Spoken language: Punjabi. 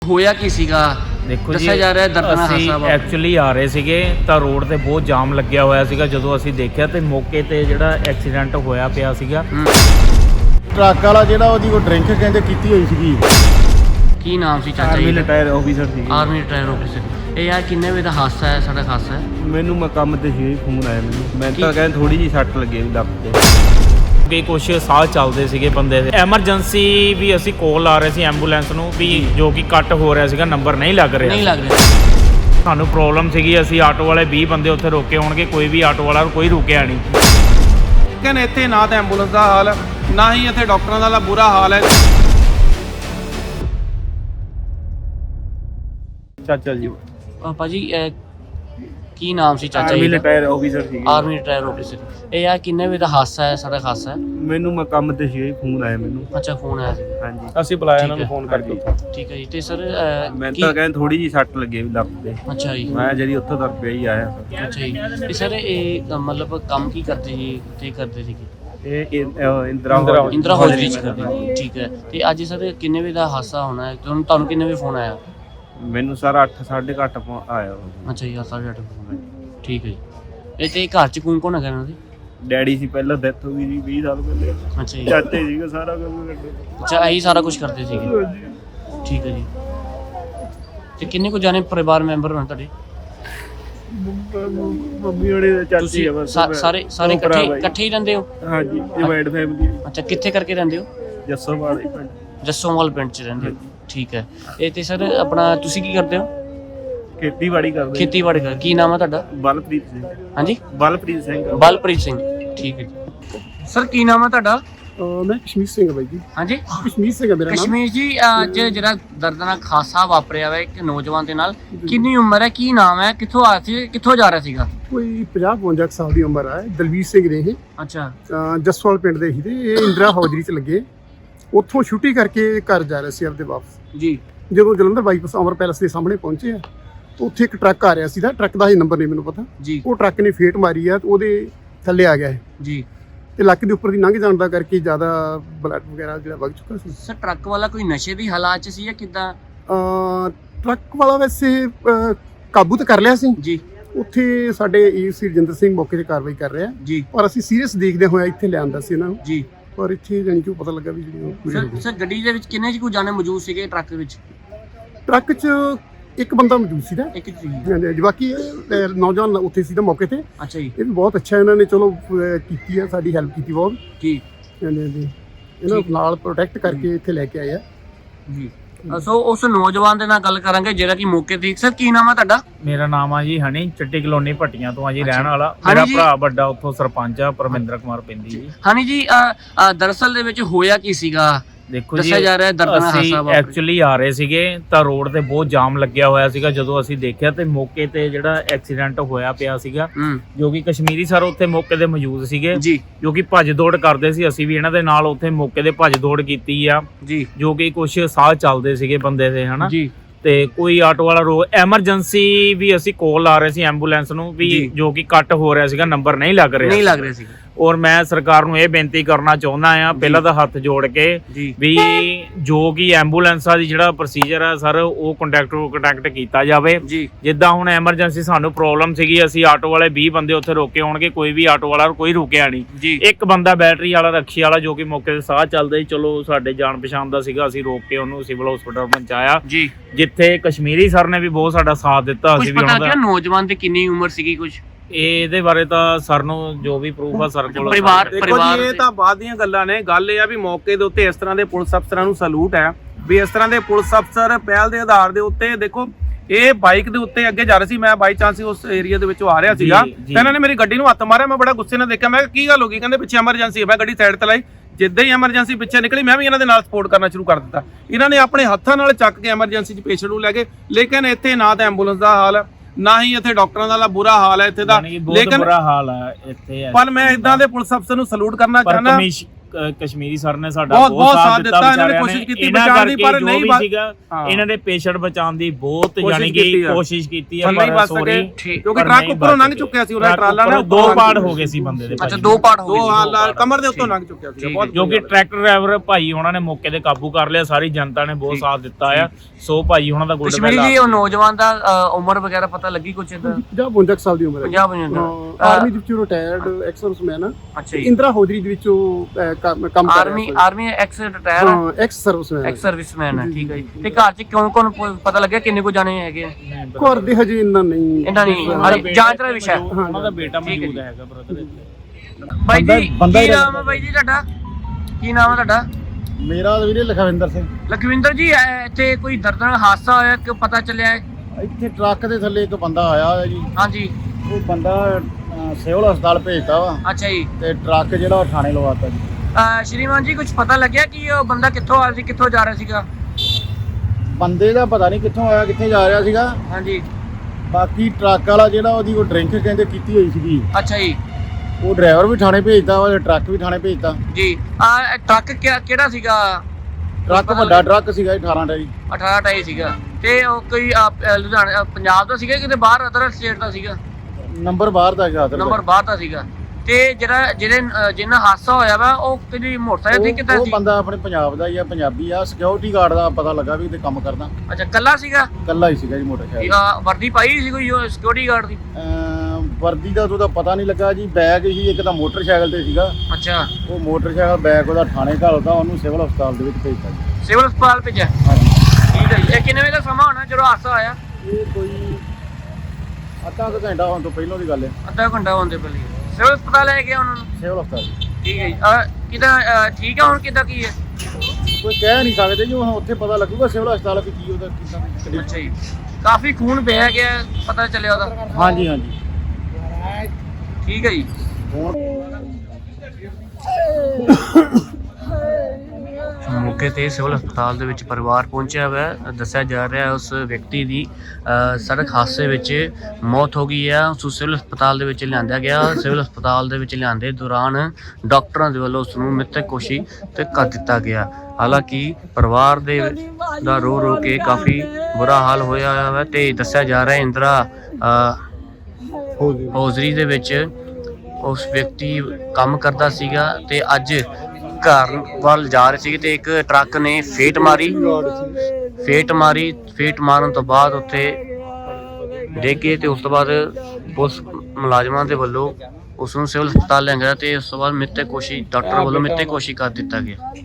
ਹੋਇਆ ਕੀ ਸੀਗਾ? ਦੇਖੋ ਜੀ, ਦੱਸਿਆ ਜਾ ਰਿਹਾ ਦਰਦਨਾ ਅਸੀਂ ਹਾਦਸਾ ਵਾਪਰਿਆ। ਐਕਚੁਅਲੀ ਆ ਰਹੇ ਸੀਗੇ ਤਾਂ ਰੋਡ ਤੇ ਬਹੁਤ ਜਾਮ ਲੱਗਿਆ ਹੋਇਆ ਸੀਗਾ। ਜਦੋਂ ਅਸੀਂ ਦੇਖਿਆ ਤੇ ਮੌਕੇ ਤੇ ਜਿਹੜਾ ਐਕਸੀਡੈਂਟ ਹੋਇਆ ਪਿਆ ਸੀਗਾ। ਟਰੱਕ ਵਾਲਾ ਜਿਹੜਾ ਉਹਦੀ ਉਹ ਡਰਿੰਕ ਕਹਿੰਦੇ ਕੀਤੀ ਹੋਈ ਸੀਗੀ। ਕੀ ਨਾਮ ਸੀ ਚਾਚਾ ਆਰਮੀ ਜੀ ਦਾ? ਰਿਟਾਇਰ ਆਫੀਸਰ ਸੀ। Army retire officer. ਇਹ ਯਾਰ ਕਿੰਨੇ ਵਜੇ ਦਾ ਹਾਦਸਾ ਹੈ? ਸਾਡਾ ਹਾਦਸਾ ਹੈ ਮੈਨੂੰ ਮੈਂ ਕੰਮ ਤੇ ਸੀ, ਫੋਨ ਆਇਆ ਮੈਂ ਤਾਂ ਕਹਿੰਦਾ ਥੋੜੀ ਜਿਹੀ ਸੱਟ ਲੱਗੀ ਲੱਕ ਤੇ। ਵੀ ਕੁਝ ਸਾਹ ਚੱਲਦੇ ਸੀਗੇ ਬੰਦੇ ਦੇ। ਐਮਰਜੈਂਸੀ ਵੀ ਅਸੀਂ ਕੋਲ ਲਾ ਰਹੇ ਸੀ ਐਂਬੂਲੈਂਸ ਨੂੰ ਵੀ, ਜੋ ਕਿ ਕੱਟ ਹੋ ਰਿਹਾ ਸੀਗਾ, ਨੰਬਰ ਨਹੀਂ ਲੱਗ ਰਿਹਾ। ਨਹੀਂ ਲੱਗ ਰਿਹਾ। ਸਾਨੂੰ ਪ੍ਰੋਬਲਮ ਸੀਗੀ, ਅਸੀਂ ਆਟੋ ਵਾਲੇ 20 ਬੰਦੇ ਉੱਥੇ ਰੋਕੇ ਹੋਣਗੇ, ਕੋਈ ਵੀ ਆਟੋ ਵਾਲਾ ਕੋਈ ਰੁਕਿਆ ਨਹੀਂ। ਕਹਿੰਦੇ ਇੱਥੇ ਨਾ ਤਾਂ ਐਂਬੂਲੈਂਸ ਦਾ ਹਾਲ ਹੈ, ਨਾ ਹੀ ਇੱਥੇ ਡਾਕਟਰਾਂ ਦਾ ਬੁਰਾ ਹਾਲ ਹੈ। ਚਾਚਾ ਜੀ ਭਾਜੀ ਕੀ ਨਾਮ ਸੀ ਚਾਚਾ ਆਰਮੀ ਜੀ ਦਾ? ਰਿਟਾਇਰ ਆਫੀਸਰ ਸੀ। Army retire officer. ਇਹ ਯਾਰ ਕਿੰਨੇ ਵਜੇ ਦਾ ਹਾਦਸਾ ਹੈ? ਸਾਡਾ ਹਾਦਸਾ ਹੈ। ਮੈਨੂੰ ਮੈਂ ਕੰਮ ਤੇ ਸੀ, ਫੋਨ ਆਇਆ ਮੈਨੂੰ। ਅੱਛਾ, ਫੋਨ ਆਇਆ ਸੀ। ਹਾਂਜੀ ਅਸੀਂ ਬੁਲਾਇਆ ਇਹਨਾਂ ਠੀਕ ਨੂੰ ਹੈ। ਫੋਨ ਕਰਕੇ। ਠੀਕ ਹੈ ਜੀ। ਤੇ ਸਰ ਮੈਂ ਤਾਂ ਕਹਿੰਦਾ ਥੋੜੀ ਜਿਹੀ ਸੱਟ ਲੱਗੀ ਲੱਕ ਤੇ। ਅੱਛਾ ਜੀ। ਮੈਂ ਜਿਹੜੀ ਉੱਥੋਂ ਤੱਕ ਪਿਆ ਹੀ ਆਇਆ। ਅੱਛਾ ਜੀ। ਤੇ ਸਰ ਇਹ ਮਤਲਬ ਕੰਮ ਕੀ ਕਰਦੇ ਸੀ ਤੇ ਕਰਦੇ ਸੀਗੇ? ਇਹ ਇੰਦਰਾ ਇੰਦਰਾ ਹੌਜ਼ਰੀ ਚ ਕਰਦੇ ਸੀ। ਠੀਕ ਹੈ। ਤੇ ਅੱਜ ਸਰ ਕਿੰਨੇ ਵਜੇ ਦਾ ਹਾਦਸਾ ਹੋਣਾ ਹੈ? ਤੁਹਾਨੂੰ ਕਿੰਨੇ ਵਜੇ ਫੋਨ ਆਇਆ? ਮੈਨੂੰ ਸਾਰਾ 8 8:30 ਆਇਆ। ਅੱਛਾ ਜੀ, 8:30 ਫੋਨ ਆਇਆ। ਠੀਕ ਹੈ ਜੀ। ਇਹ ਤੇ ਘਰ ਚ ਕੌਣ ਹੈਗਾ ਇਹਨਾਂ ਦੇ? ਡੈਡੀ ਸੀ, ਪਹਿਲਾਂ ਡੈਥ ਹੋ ਗਈ ਜੀ 20 ਸਾਲ ਪਹਿਲੇ। ਅੱਛਾ ਜੀ। ਚਾਚੇ ਸੀਗਾ, ਸਾਰਾ ਕੰਮ ਕਰਦੇ। ਅੱਛਾ, ਇਹੀ ਸਾਰਾ ਕੁਝ ਕਰਦੇ ਸੀਗੇ। ਠੀਕ ਹੈ ਜੀ। ਤੇ ਕਿੰਨੇ ਕੁ ਜਾਣੇ ਪਰਿਵਾਰ ਮੈਂਬਰ ਹਨ ਤੁਹਾਡੇ? ਮੰਮੀ ਹੋਣੇ ਚਾਚੀ ਤੁਸੀਂ ਆ ਬਸ। ਸਾਰੇ ਇਕੱਠੇ ਹੀ ਰਹਿੰਦੇ ਹੋ? ਹਾਂਜੀ, ਡਿਵਾਈਡ ਫੈਮਿਲੀ। ਅੱਛਾ, ਕਿੱਥੇ ਕਰਕੇ ਰਹਿੰਦੇ ਹੋ? ਜੱਸੋਵਾਲ ਦੇ ਪਿੰਡ। ਜੱਸੋਵਾਲ ਪਿੰਡ ਚ ਰਹਿੰਦੇ ਹੋ। ਠੀਕ ਹੈ। ਇਹ ਤੇ ਸਰ ਆਪਣਾ ਤੁਸੀਂ ਕੀ ਕਰਦੇ ਹੋ? ਖੇਤੀਬਾੜੀ ਕਰਦੇ। ਖੇਤੀਬਾੜੀ ਕਰ। ਕੀ ਨਾਮ ਹੈ ਤੁਹਾਡਾ? ਬਲਪ੍ਰੀਤ ਸਿੰਘ। ਹਾਂਜੀ, ਬਲਪ੍ਰੀਤ ਸਿੰਘ। ਬਲਪ੍ਰੀਤ ਸਿੰਘ। ਠੀਕ ਹੈ ਜੀ। ਸਰ ਕੀ ਨਾਮ ਹੈ ਤੁਹਾਡਾ? ਮੈਂ ਕਸ਼ਮੀਰ ਸਿੰਘ ਹਾਂ ਬਾਈ ਜੀ। ਹਾਂਜੀ, ਕਸ਼ਮੀਰ ਸਿੰਘ ਹੈ ਮੇਰਾ ਨਾਮ। ਕਸ਼ਮੀਰ ਜੀ। ਅੱਜ ਜਿਹੜਾ ਦਰਦਨਾਕ ਹਾਦਸਾ ਵਾਪਰਿਆ ਵਾ ਇੱਕ ਨੌਜਵਾਨ ਦੇ ਨਾਲ, ਕਿੰਨੀ ਉਮਰ ਹੈ, ਕੀ ਨਾਮ ਹੈ, ਕਿੱਥੋਂ ਆ ਸੀ, ਕਿੱਥੋਂ ਜਾ ਰਿਹਾ ਸੀਗਾ? ਕੋਈ 50-52 ਸਾਲ ਦੀ ਉਮਰ ਹੈ। ਦਲਵੀਰ ਸਿੰਘ ਨੇ ਇਹ। ਅੱਛਾ ਜਸਵਾਲ ਪਿੰਡ ਦੇ ਹੀ ਤੇ ਇਹ ਇੰਦਰਾ ਹੌਜ਼ਰੀ ਚ ਲੱਗੇ। ਉੱਥੋਂ ਛੁੱਟੀ ਕਰਕੇ ਘਰ ਜਾ ਰਹੇ ਸੀ ਆਪਦੇ ਵਾਪਸ। ਜੀ। ਜਦੋਂ ਜਲੰਧਰ ਬਾਈਪਾਸ ਅਮਰ ਪੈਲਸ ਦੇ ਸਾਹਮਣੇ ਪਹੁੰਚੇ ਆ, ਉੱਥੇ ਇੱਕ ਟਰੱਕ ਆ ਰਿਹਾ ਸੀ। ਟਰੱਕ ਦਾ ਹੀ ਨੰਬਰ ਨਹੀਂ ਮੈਨੂੰ ਪਤਾ। ਜੀ। ਉਹ ਟਰੱਕ ਨੇ ਫੇਟ ਮਾਰੀ ਆ ਤੇ ਉਹਦੇ ਥੱਲੇ ਆ ਗਿਆ ਇਹ ਜੀ। ਤੇ ਲੱਕ ਦੇ ਉੱਪਰ ਦੀ ਲੰਘ ਜਾਣ ਦਾ ਕਰਕੇ ਜ਼ਿਆਦਾ ਬਲੱਡ ਵਗੈਰਾ ਜਿਹੜਾ ਵਗ ਚੁੱਕਾ ਸੀ। ਸਰ ਟਰੱਕ ਵਾਲਾ ਕੋਈ ਨਸ਼ੇ ਦੀ ਹਾਲਾਤ ਚ ਸੀ ਜਾਂ ਕਿੱਦਾਂ? ਟਰੱਕ ਵਾਲਾ ਵੈਸੇ ਕਾਬੂ ਤਾਂ ਕਰ ਲਿਆ ਸੀ। ਜੀ। ਉੱਥੇ ਸਾਡੇ ਏਸੀ ਰਜਿੰਦਰ ਸਿੰਘ ਮੌਕੇ ਤੇ ਕਾਰਵਾਈ ਕਰ ਰਿਹਾ, ਜੀ। ਪਰ ਅਸੀਂ ਸੀਰੀਅਸ ਦੇਖਦੇ ਹੋਇਆ ਇੱਥੇ ਲਿਆਂਦਾ ਸੀ ਇਹਨਾਂ ਨੂੰ। ਜੀ। ਪਰ ਇੱਥੇ ਜਾਣੀ ਕਿ ਪਤਾ ਲੱਗਾ ਵੀ ਜਿਹੜੀ ਉਹ ਪੂਰੀ ਹੋ ਗਈ। ਸਰ ਗੱਡੀ ਦੇ ਵਿੱਚ ਕਿੰਨੇ ਕੁ ਜਾਣੇ ਮੌਜੂਦ ਸੀਗੇ ਟਰੱਕ ਵਿੱਚ? ਟਰੱਕ 'ਚ ਇੱਕ ਬੰਦਾ ਮੌਜੂਦ ਸੀ। ਇੱਕ ਜੀ। ਹਾਂਜੀ, ਬਾਕੀ ਨੌਜਵਾਨ ਉੱਥੇ ਸੀ ਤਾਂ ਮੌਕੇ ਤੇ। ਅੱਛਾ ਜੀ। ਇਹ ਵੀ ਬਹੁਤ ਅੱਛਾ ਇਹਨਾਂ ਨੇ ਚਲੋ ਕੀਤੀ ਹੈ, ਸਾਡੀ ਹੈਲਪ ਕੀਤੀ ਬਹੁਤ। ਜੀ। ਹਾਂਜੀ, ਇਹਨਾਂ ਨਾਲ ਪ੍ਰੋਟੈਕਟ ਕਰਕੇ ਇੱਥੇ ਲੈ ਕੇ ਆਏ ਆ। ਜੀ। ਸੋ ਉਸ ਨੌਜਵਾਨ ਦੇ ਨਾਲ ਗੱਲ ਕਰਾਂਗੇ ਜਿਹੜਾ ਕਿ ਮੌਕੇ ਤੇ। ਸਰ ਕੀ ਨਾਮ ਹੈ ਤੁਹਾਡਾ? ਮੇਰਾ ਨਾਮ ਆ ਜੀ ਹਨੀ, ਚੱਟੀ ਕਲੋਨੀ ਭੱਟੀਆਂ ਤੋਂ ਆ ਜੀ ਰਹਿਣ ਵਾਲਾ। ਹਨੀ ਮੇਰਾ ਜੀ। ਭਰਾ ਵੱਡਾ ਉੱਥੋਂ ਸਰਪੰਚ ਆ, ਪਰਮਿੰਦਰ ਕੁਮਾਰ ਪਿੰਦੀ ਜੀ। ਹਨੀ ਜੀ, ਦਰਅਸਲ ਦੇ ਵਿੱਚ ਹੋਇਆ ਕੀ ਸੀਗਾ? ਦੇਖੋ ਜੀ, ਦੱਸਿਆ ਜਾ ਰਿਹਾ ਦਰਦਨਾ ਅਸੀਂ ਹਾਦਸਾ ਵਾਪਰਿਆ। ਐਕਚੁਅਲੀ ਆ ਰਹੇ ਸੀਗੇ ਤਾਂ ਰੋਡ ਤੇ ਬਹੁਤ ਜਾਮ ਲੱਗਿਆ ਹੋਇਆ ਸੀਗਾ। ਜਦੋਂ ਅਸੀਂ ਦੇਖਿਆ ਤੇ ਮੌਕੇ ਤੇ ਜਿਹੜਾ ਐਕਸੀਡੈਂਟ ਹੋਇਆ ਪਿਆ ਸੀਗਾ, ਜੋ ਕਿ ਕਸ਼ਮੀਰੀ ਸਰ ਉੱਥੇ ਮੌਕੇ ਤੇ ਮੌਜੂਦ ਸੀਗੇ, ਜੀ। ਜੋ ਕਿ ਭੱਜ ਦੌੜ ਕਰਦੇ ਸੀ। ਅਸੀਂ ਵੀ ਇਹਨਾਂ ਦੇ ਨਾਲ ਉੱਥੇ ਮੌਕੇ ਤੇ ਭੱਜ ਦੌੜ ਕੀਤੀ ਆ, ਜੀ। ਜੋ ਕਿ ਕੁਝ ਸਾਹ ਚੱਲਦੇ ਸੀਗੇ ਬੰਦੇ ਦੇ, ਹਨਾ। ਜੀ। ਤੇ ਕੋਈ ਆਟੋ ਵਾਲਾ ਐਮਰਜੈਂਸੀ ਵੀ ਅਸੀਂ ਕੋਲ ਲਾ ਰਹੇ ਸੀ ਐਂਬੂਲੈਂਸ ਨੂੰ ਵੀ, ਜੀ। ਜੋ ਕਿ ਕੱਟ ਹੋ ਰਿਹਾ ਸੀਗਾ, ਨੰਬਰ ਨਹੀਂ ਲੱਗ ਰਿਹਾ ਸੀ। ਔਰ ਮੈਂ ਸਰਕਾਰ ਨੂੰ ਇਹ ਬੇਨਤੀ ਕਰਨਾ ਚਾਹੁੰਦਾ ਆ, ਪਹਿਲਾਂ ਤਾਂ ਹੱਥ ਜੋੜ ਕੇ ਜੀ। ਵੀ ਜੋ ਕਿ ਐਂਬੂਲੈਂਸਾਂ ਦੀ ਜਿਹੜਾ ਪ੍ਰੋਸੀਜਰ ਆ ਸਰ, ਉਹ ਕੰਟੈਕਟ ਕੀਤਾ ਜਾਵੇ। ਜੀ। ਜਿੱਦਾਂ ਹੁਣ ਐਮਰਜੈਂਸੀ ਸਾਨੂੰ ਪ੍ਰੋਬਲਮ ਸੀਗੀ, ਅਸੀਂ ਆਟੋ ਵਾਲੇ 20 ਬੰਦੇ ਉੱਥੇ ਰੋਕੇ ਹੋਣਗੇ, ਕੋਈ ਵੀ ਆਟੋ ਵਾਲਾ ਕੋਈ ਰੁਕਿਆ ਨਹੀਂ। ਜੀ। ਇੱਕ ਬੰਦਾ ਬੈਟਰੀ ਵਾਲਾ ਰਕਸ਼ੇ ਵਾਲਾ ਜੋ ਕਿ ਮੌਕੇ ਤੇ ਸਾਹ ਚੱਲਦਾ ਸੀ, ਚਲੋ ਸਾਡੇ ਜਾਣ ਪਛਾਣ ਦਾ ਸੀਗਾ, ਅਸੀਂ ਰੋਕ ਕੇ ਉਹਨੂੰ ਸਿਵਲ ਹਸਪੀਟਲ ਪਹੁੰਚਾਇਆ। ਜੀ। ਜਿੱਥੇ ਕਸ਼ਮੀਰੀ ਸਰ ਨੇ ਵੀ ਬਹੁਤ ਸਾਡਾ ਸਾਥ ਦਿੱਤਾ। ਕੁਝ ਅਸੀਂ ਵੀ ਪਤਾ ਉਹਨਾਂ ਕਿ ਦਾ ਨੌਜਵਾਨ ਦੀ ਕਿੰਨੀ ਉਮਰ ਸੀਗੀ ਕੁਝ? ਇਹਦੇ ਬਾਰੇ ਤਾਂ ਸਰ ਨੂੰ ਜੋ ਵੀ ਪ੍ਰੂਫ ਆ ਸਰ ਕੋਲ। ਪਰਿਵਾਰ ਦੇਖੋ ਜੀ, ਇਹ ਤਾਂ ਬਾਅਦ ਦੀਆਂ ਗੱਲਾਂ ਨੇ। ਗੱਲ ਇਹ ਆ ਵੀ ਮੌਕੇ ਦੇ ਉੱਤੇ ਇਸ ਤਰ੍ਹਾਂ ਦੇ ਪੁਲਿਸ ਅਫਸਰਾਂ ਨੂੰ ਸਲੂਟ ਹੈ ਵੀ ਇਸ ਤਰ੍ਹਾਂ ਦੇ ਪੁਲਿਸ ਅਫਸਰ ਪਹਿਲ ਦੇ ਆਧਾਰ ਦੇ ਉੱਤੇ। ਦੇਖੋ, ਇਹ ਬਾਈਕ ਦੇ ਉੱਤੇ ਅੱਗੇ ਜਾ ਰਹੀ ਸੀ, ਮੈਂ ਬਾਈ ਚਾਂਸ ਉਸ ਏਰੀਆ ਦੇ ਵਿੱਚੋਂ ਆ ਰਿਹਾ ਸੀਗਾ, ਤੇ ਇਹਨਾਂ ਨੇ ਮੇਰੀ ਗੱਡੀ ਨੂੰ ਹੱਥ ਮਾਰਿਆ। ਮੈਂ ਬੜਾ ਗੁੱਸੇ ਨਾਲ ਦੇਖਿਆ, ਮੈਂ ਕਿਹਾ ਕੀ ਗੱਲ ਹੋ ਗਈ? ਕਹਿੰਦੇ ਪਿੱਛੇ ਐਮਰਜੈਂਸੀ ਹੈ। ਮੈਂ ਗੱਡੀ ਸਾਈਡ ਤੇ ਲਾਈ, ਜਿੱਦਾਂ ਹੀ ਐਮਰਜੈਂਸੀ ਪਿੱਛੇ ਨਿਕਲੀ, ਮੈਂ ਵੀ ਇਹਨਾਂ ਦੇ ਨਾਲ ਸਪੋਰਟ ਕਰਨਾ ਸ਼ੁਰੂ ਕਰ ਦਿੱਤਾ। ਇਹਨਾਂ ਨੇ ਆਪਣੇ ਹੱਥਾਂ ਨਾਲ ਚੱਕ ਕੇ ਐਮਰਜੈਂਸੀ 'ਚ ਪੇਸ਼ੈਂਟ ਨੂੰ ਲੈ ਗਏ। ਲੇਕਿਨ ਇੱਥੇ ਨਾ ਤਾਂ ਐਂਬੂਲੈਂਸ ਦਾ ਹਾਲ ਹੈ, ਨਾ ਹੀ ਇੱਥੇ ਡਾਕਟਰਾਂ ਦਾ ਬੁਰਾ ਹਾਲ ਹੈ ਇੱਥੇ ਦਾ। ਲੇਕਿਨ ਬੁਰਾ ਹਾਲ ਹੈ ਇੱਥੇ। ਪਰ ਮੈਂ ਇਦਾਂ ਦੇ ਪੁਲਿਸ ਅਫਸਰ ਨੂੰ ਸਲੂਟ ਕਰਨਾ ਚਾਹੁੰਦਾ ਕਸ਼ਮੀਰੀ ਸਰ ਨੇ ਸਾਡਾ ਬਹੁਤ ਸਾਥ ਦਿੱਤਾ, ਇਹਨਾਂ ਨੇ ਵਿਚਾਰਿਆਂ ਕੋਸ਼ਿਸ਼ ਕੀਤੀ ਇਹਨਾਂ ਬਚਾਉਣ ਦੀ, ਕਰਕੇ ਪਰ ਜੋ ਨਹੀਂ ਵੀ ਸੀਗਾ ਹਾਂ। ਇਹਨਾਂ ਦੇ ਪੇਸ਼ੈਂਟ ਬਚਾਉਣ ਦੀ ਬਹੁਤ ਕੋਸ਼ਿਸ਼ ਯਾਨੀ ਕੀਤੀ ਕਿ ਆ। ਕੋਸ਼ਿਸ਼ ਕੀਤੀ ਪਰ ਹੈ, ਨਹੀਂ ਪਰ ਬਚ ਸੋਰੀ ਸਕੇ ਠੀਕ। ਕਿਉਂਕਿ ਟਰੱਕ ਉੱਪਰੋਂ ਲੰਘ ਚੁੱਕਿਆ ਸੀ, ਉਹਦਾ ਟਰਾਲਾ ਨਾ ਦੋ ਪਾਰਟ ਹੋ ਗਏ ਸੀ ਬੰਦੇ ਦੇ ਅੱਛਾ, ਦੋ ਪਾਰਟ ਹੋ ਦੋ ਗਏ ਸੀ। ਹਾਲ ਕਮਰ ਦੇ ਉੱਤੋਂ ਲੰਘ ਚੁੱਕਿਆ ਸੀ ਬਹੁਤ ਜੋ ਕਿ ਟਰੈਕਟਰ ਡਰਾਈਵਰ ਭਾਈ ਉਹਨਾਂ ਨੇ ਮੌਕੇ ਤੇ ਕਾਬੂ ਕਰ ਲਿਆ, ਸਾਰੀ ਜਨਤਾ ਨੇ ਬਹੁਤ ਸਾਥ ਦਿੱਤਾ ਆ। ਸੋ ਭਾਈ ਉਹਨਾਂ ਦਾ ਗੁੱਡ ਕਸ਼ਮੀਰੀ ਜੀ ਉਹ ਨੌਜਵਾਨ ਦਾ ਉਮਰ ਵਗੈਰਾ ਪਤਾ ਲੱਗੀ ਕੁਛ ਇਦਾਂ? 50 ਸਾਲ ਦੀ ਉਮਰ ਹੈ। 50 ਆਰਮੀ ਦੇ ਵਿੱਚੋਂ ਰਿਟਾਇਰਡ ਐਕਸ ਸਰਵਿਸਮੈਨ ਆ। ਅੱਛਾ ਜੀ। ਇੰਦਰਾ ਹੌਜਰੀ ਦੇ ਵਿੱਚੋਂ ਕੰਮ ਕਰ ਰਿਹਾ ਆਰਮੀ ਐਕਸ ਰਿਟਾਇਰ ਹੈ, ਹਾਂ ਐਕਸ ਸਰਵਿਸਮੈਨ ਐਕਸ ਸਰਵਿਸਮੈਨ ਹੈ। ਠੀਕ ਹੈ ਜੀ। ਤੇ ਘਰ 'ਚ ਕੌਣ ਪਤਾ ਲੱਗਿਆ ਕਿੰਨੇ ਕੋ ਜਾਣੇ ਹੈਗੇ ਆ? ਘਰ ਦੇ ਹਜੇ ਇੰਨਾ ਨਹੀਂ ਇਹਨਾਂ ਨਹੀਂ ਹਜੇ ਜਾਂਚ ਦਾ ਵਿਸ਼ਾ ਹੈ। ਉਹਨਾਂ ਦਾ ਬੇਟਾ ਠੀਕ ਹੈ ਮੌਜੂਦ ਜੀ। ਹੈਗਾ ਬ੍ਰਦਰ। ਬਾਈ ਜੀ ਕੀ ਨਾਮ ਹੈ ਬਾਈ ਜੀ ਤੁਹਾਡਾ? ਕੀ ਨਾਮ ਹੈ ਤੁਹਾਡਾ? ਮੇਰਾ ਵੀਰੇ ਲਖਵਿੰਦਰ ਸਿੰਘ। ਲਖਵਿੰਦਰ ਜੀ ਇੱਥੇ ਕੋਈ ਦਰਦਨਾਕ ਹਾਦਸਾ ਹੋਇਆ ਕਿ ਪਤਾ ਚੱਲਿਆ ਹੈ? ਇੱਥੇ ਟਰੱਕ ਦੇ ਥੱਲੇ ਇੱਕ ਬੰਦਾ ਆਇਆ ਹੋਇਆ ਜੀ। ਹਾਂਜੀ। ਉਹ ਬੰਦਾ ਸਿਵਲ ਹਸਪਤਾਲ ਭੇਜਤਾ ਵਾ ਅੱਛਾ ਜੀ। ਤੇ ਟਰੱਕ ਜਿਹੜਾ ਉਹ ਥਾਣੇ ਲਵਾਤਾ ਜੀ। ਸ਼੍ਰੀਮਾਨ ਜੀ ਕੁਝ ਪਤਾ ਲੱਗਿਆ ਕਿ ਉਹ ਬੰਦਾ ਕਿੱਥੋਂ ਆ ਰਿਹਾ ਸੀ, ਕਿੱਥੋਂ ਜਾ ਰਿਹਾ ਸੀਗਾ? ਬੰਦੇ ਦਾ ਪਤਾ ਨਹੀਂ ਕਿੱਥੋਂ ਆਇਆ ਕਿੱਥੇ ਜਾ ਰਿਹਾ ਸੀਗਾ। ਹਾਂਜੀ। ਬਾਕੀ ਟਰੱਕ ਵਾਲਾ ਜਿਹੜਾ ਉਹਦੀ ਉਹ ਡਰਿੰਕ ਕਹਿੰਦੇ ਕੀਤੀ ਹੋਈ ਸੀਗੀ, ਅੱਛਾ ਜੀ। ਉਹ ਡਰਾਈਵਰ ਵੀ ਥਾਣੇ ਭੇਜਤਾ ਵਾ ਤੇ ਟਰੱਕ ਵੀ ਥਾਣੇ ਭੇਜਤਾ। ਜੀ ਟਰੱਕ ਕਿਹੜਾ ਸੀਗਾ? ਟਰੱਕ ਵੱਡਾ ਟਰੱਕ ਸੀਗਾ ਜੀ 18 ਟਾਈ। 18 ਟਾਈ ਸੀਗਾ। ਤੇ ਉਹ ਕੋਈ ਲੁਧਿਆਣਾ ਪੰਜਾਬ ਦਾ ਸੀਗਾ ਕਿਤੇ ਬਾਹਰ ਅਦਰ ਸਟੇਟ ਦਾ ਸੀਗਾ? ਨੰਬਰ ਬਾਹਰ ਦਾ ਹੈਗਾ ਨੰਬਰ ਬਾਹਰ ਦਾ ਸੀਗਾ। ਤੇ ਜਿਹਨਾਂ ਹਾਦਸਾ ਹੋਇਆ ਵਾ ਉਹ ਕਿਹਦੀ ਮੋਟਰਸਾਈਕਲ ਤੇ ਕਿੱਦਾਂ ਉਹ ਸੀ? ਬੰਦਾ ਆਪਣੇ ਪੰਜਾਬ ਦਾ ਹੀ ਆ, ਪੰਜਾਬੀ ਆ। ਸਿਕਿਉਰਿਟੀ ਗਾਰਡ ਦਾ ਪਤਾ ਲੱਗਾ ਵੀ ਤੇ ਕੰਮ ਕਰਦਾ। ਅੱਛਾ ਕੱਲਾ ਸੀਗਾ? ਇਕੱਲਾ ਹੀ ਸੀਗਾ ਜੀ ਮੋਟਰਸਾਈਕਲ। ਵਰਦੀ ਪਾਈ ਸੀ ਕੋਈ ਸਿਕਿਉਰਿਟੀ ਗਾਰਡ ਦੀ? ਵਰਦੀ ਦਾ ਉਹਦਾ ਪਤਾ ਨਹੀਂ ਲੱਗਾ ਜੀ। ਬੈਗ ਹੀ ਇੱਕ ਤਾਂ ਮੋਟਰਸਾਈਕਲ ਤੇ ਸੀਗਾ। ਅੱਛਾ। ਉਹ ਮੋਟਰਸਾਈਕਲ ਬੈਗ ਉਹਦਾ ਥਾਣੇ ਘਾਲਦਾ, ਉਹਨੂੰ ਸਿਵਲ ਹਸਪਤਾਲ ਦੇ ਵਿੱਚ ਭੇਜਤਾ ਜੀ। ਸਿਵਲ ਹਸਪਤਾਲ ਭੇਜਿਆ? ਹਾਂਜੀ। ਠੀਕ ਹੈ ਜੀ। ਇਹ ਕਿੰਨੇ ਵਜੇ ਦਾ ਸਮਾਂ ਹੋਣਾ ਜਦੋਂ ਹਾਦਸਾ ਹੋਇਆ? ਇਹ ਕੋਈ ਅੱਧਾ ਕੁ ਘੰਟਾ ਹੋਣ ਤੋਂ ਪਹਿਲਾਂ ਦੀ ਗੱਲ ਹੈ। ਅੱਧਾ ਘੰਟਾ ਹੁੰਦੇ ਪਹਿਲੇ ਸਿਵਲ ਹਸਪਤਾਲ ਲੈ ਗਿਆ ਉਹਨਾਂ ਨੂੰ? ਸਿਵਲ ਹਸਪਤਾਲ ਠੀਕ ਹੈ ਜੀ। ਕਿੱਦਾਂ ਠੀਕ ਹੈ ਹੁਣ? ਕਿੱਦਾਂ ਕੀ ਹੈ? ਕੋਈ ਕਹਿ ਨਹੀਂ ਸਕਦੇ ਜੀ, ਹੁਣ ਉੱਥੇ ਪਤਾ ਲੱਗੂਗਾ ਸਿਵਲ ਹਸਪਤਾਲ ਵੀ ਕੀ ਉਹਦਾ ਕਿੱਦਾਂ। ਅੱਛਾ ਜੀ। ਕਾਫੀ ਖੂਨ ਵਹਿ ਗਿਆ ਪਤਾ ਚੱਲਿਆ ਉਹਦਾ? ਹਾਂਜੀ ਹਾਂਜੀ। ਠੀਕ ਹੈ ਜੀ। ਹੁਣ ਮੌਕੇ ਤੇ ਸਿਵਲ ਹਸਪਤਾਲ ਦੇ ਵਿੱਚ ਪਰਿਵਾਰ ਪਹੁੰਚਿਆ ਹੋਇਆ। ਦੱਸਿਆ ਜਾ ਰਿਹਾ ਹੈ ਉਸ ਵਿਅਕਤੀ ਦੀ ਸੜਕ ਹਾਦਸੇ ਵਿੱਚ ਮੌਤ ਹੋ ਗਈ ਹੈ। ਉਸ ਨੂੰ ਸਿਵਲ ਹਸਪਤਾਲ ਦੇ ਵਿੱਚ ਲਿਆਂਦਾ ਗਿਆ। ਸਿਵਲ ਹਸਪਤਾਲ ਦੇ ਵਿੱਚ ਲਿਆਂਦੇ ਦੌਰਾਨ ਡਾਕਟਰਾਂ ਦੇ ਵੱਲੋਂ ਉਸ ਨੂੰ ਮ੍ਰਿਤਕ ਘੋਸ਼ਿਤ ਤੇ ਕਰ ਦਿੱਤਾ ਗਿਆ। ਹਾਲਾਂਕਿ ਪਰਿਵਾਰ ਦੇ ਦਾ ਰੋ ਕੇ ਕਾਫੀ ਬੁਰਾ ਹਾਲ ਹੋਇਆ ਹੈ ਤੇ ਦੱਸਿਆ ਜਾ ਰਿਹਾ ਹੈ ਇੰਦਰਾ ਹੌਜ਼ਰੀ ਦੇ ਵਿੱਚ ਉਸ ਵਿਅਕਤੀ ਕੰਮ ਕਰਦਾ ਸੀਗਾ ਤੇ ਅੱਜ ਘਰ ਵੱਲ ਜਾ ਰਹੇ ਸੀਗੇ ਤੇ ਇੱਕ ਟਰੱਕ ਨੇ ਫੇਟ ਮਾਰਨ ਤੋਂ ਬਾਅਦ ਉੱਥੇ ਡਿੱਗੇ ਤੇ ਉਸ ਤੋਂ ਬਾਅਦ ਪੁਲਿਸ ਮੁਲਾਜ਼ਮਾਂ ਦੇ ਵੱਲੋਂ ਉਸ ਨੂੰ ਸਿਵਲ ਹਸਪਤਾਲ ਲਿਆਂਦਾ ਤੇ ਉਸ ਤੋਂ ਬਾਅਦ ਮ੍ਰਿਤਕ ਘੋਸ਼ਿਤ ਡਾਕਟਰ ਵੱਲੋਂ ਮ੍ਰਿਤਕ ਘੋਸ਼ਿਤ ਕਰ ਦਿੱਤਾ ਗਿਆ।